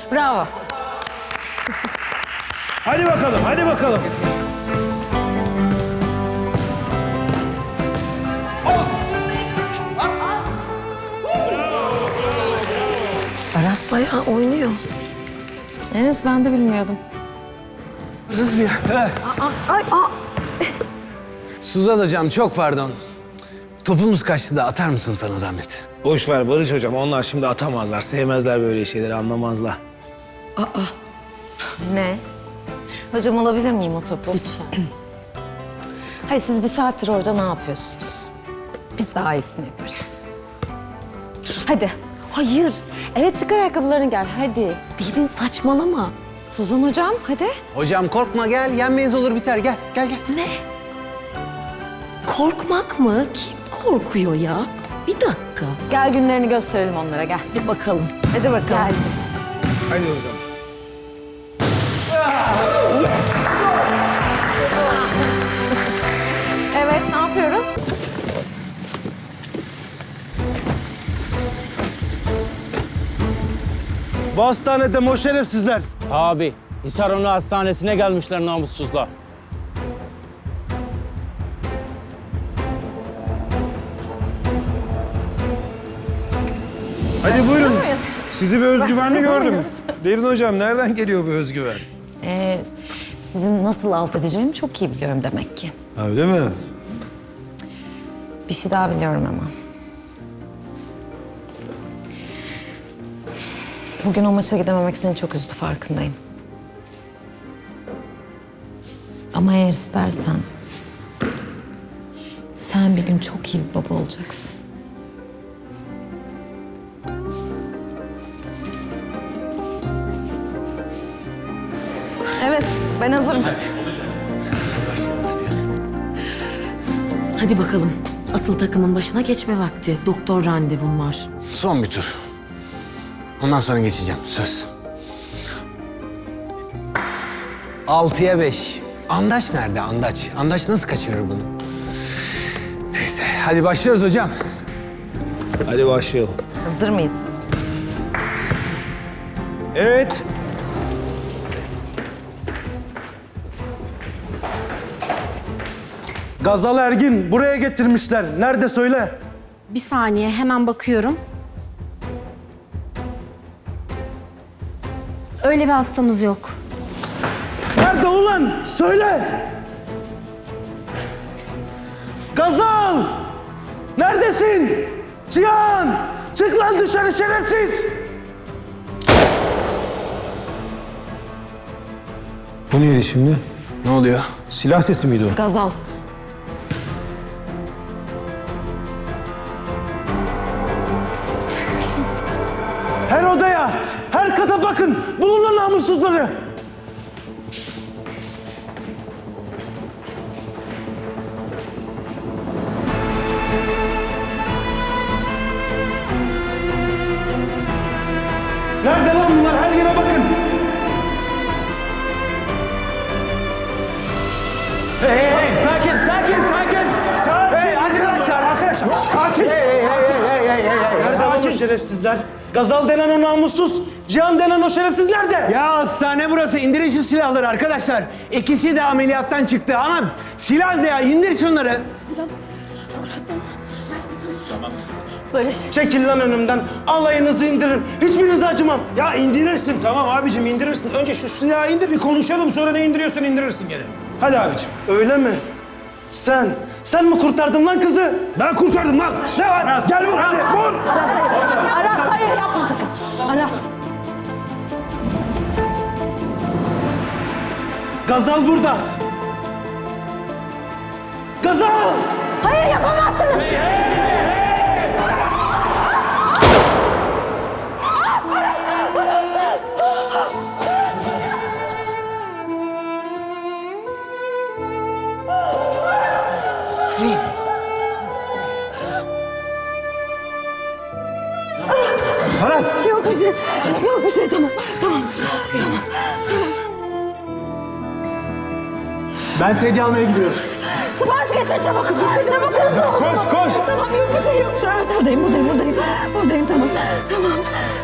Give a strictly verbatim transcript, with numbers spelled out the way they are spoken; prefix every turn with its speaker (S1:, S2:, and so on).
S1: Bravo.
S2: Hadi bakalım, hadi bakalım.
S1: Aras bayağı oynuyor. Evet, ben de bilmiyordum.
S3: Kız bir...
S1: Ay, aa.
S3: Suzan hocam çok pardon. Topumuz kaçtı da atar mısın sana zahmet?
S2: Boş ver Barış hocam, onlar şimdi atamazlar. Sevmezler böyle şeyleri, anlamazlar.
S1: Ne? Hocam alabilir miyim o topu? Lütfen. Hayır, siz bir saattir orada ne yapıyorsunuz? Biz daha iyisini yaparız. Hadi. Hayır. Evet, çıkar ayakkabılarını gel. Hadi. Derin saçmalama. Suzan hocam, hadi.
S3: Hocam korkma gel, yenmeyiz olur biter. Gel, gel gel.
S1: Ne? Korkmak mı? Kim korkuyor ya? Bir dakika. Gel günlerini gösterelim onlara, gel. Hadi bakalım. Hadi bakalım. Gel.
S2: Hadi o zaman.
S1: Evet, ne yapıyoruz?
S2: Bu hastanede mi o şerefsizler?
S4: Abi, Hisaronu Hastanesi'ne gelmişler namussuzlar.
S2: Hadi buyurun.
S1: muyuz?
S2: Sizi bir özgüvenli
S1: Başlıyor
S2: gördüm.
S1: muyuz?
S2: Derin hocam, nereden geliyor bu özgüven?
S1: Ee, sizin nasıl alt edeceğimi çok iyi biliyorum demek ki.
S2: Ha, öyle mi?
S1: Bir şey daha biliyorum ama. Bugün o maça gidememek seni çok üzdü, farkındayım. Ama eğer istersen... sen bir gün çok iyi bir baba olacaksın. Evet, ben hazırım.
S5: Hadi bakalım. Asıl takımın başına geçme vakti. Doktor randevun var.
S3: Son bir tur. Ondan sonra geçeceğim, söz. Altıya beş. Andaç nerede Andaç? Andaç nasıl kaçırır bunu? Neyse, hadi başlıyoruz hocam.
S2: Hadi başlayalım.
S1: Hazır mıyız?
S2: Evet. Gazal Ergin buraya getirmişler. Nerede söyle?
S6: Bir saniye, hemen bakıyorum. Öyle bir hastamız yok.
S2: Nerede ulan? Söyle. Gazal! Neredesin? Cihan! Çık lan dışarı şerefsiz! Bu neydi şimdi?
S3: Ne oluyor?
S2: Silah sesi miydi o?
S1: Gazal.
S2: Her odaya, her kata bakın. Bulun lan namussuzları. Nerede lan bunlar? Her yere bakın. Hey, hey, hey. Sakin, sakin, sakin. Sakin. Hey, arkadaşlar, arkadaşlar. Sakin. Hey, hey, sakin. Hey, hey, hey, hey, hey. Nerede lan o şerefsizler? Gazal denen o namussuz, Cihan denen o şerefsiz nerede?
S3: Ya hastane burası. İndirin şu silahları arkadaşlar. İkisi de ameliyattan çıktı ama silah ne ya? İndir şunları.
S1: Barış.
S2: Çekil lan önümden. Alayınızı indirin. Hiçbirinize acımam.
S7: Ya indirirsin tamam abicim indirirsin. Önce şu silahı indir bir konuşalım sonra ne indiriyorsan indirirsin gene. Hadi abicim.
S2: Öyle mi? Sen, sen mi kurtardın lan kızı?
S7: Ben kurtardım lan. Ne var? Gel vur hadi vur.
S1: Aras hayır. Aras hayır, yapma sakın. Aras.
S2: Gazal burada. Gazal!
S1: Hayır, yapamazsınız.
S2: Aras!
S1: Yok bir şey. Yok bir şey, tamam. Tamam. Tamam.
S2: Ben sedye almaya gidiyorum.
S1: Sipariş getir çabuk. Çabuk hızlı ol.
S2: Koş, koş.
S1: Tamam, yok bir şey yok. Şu an buradayım, buradayım, buradayım. Buradayım, tamam. Tamam.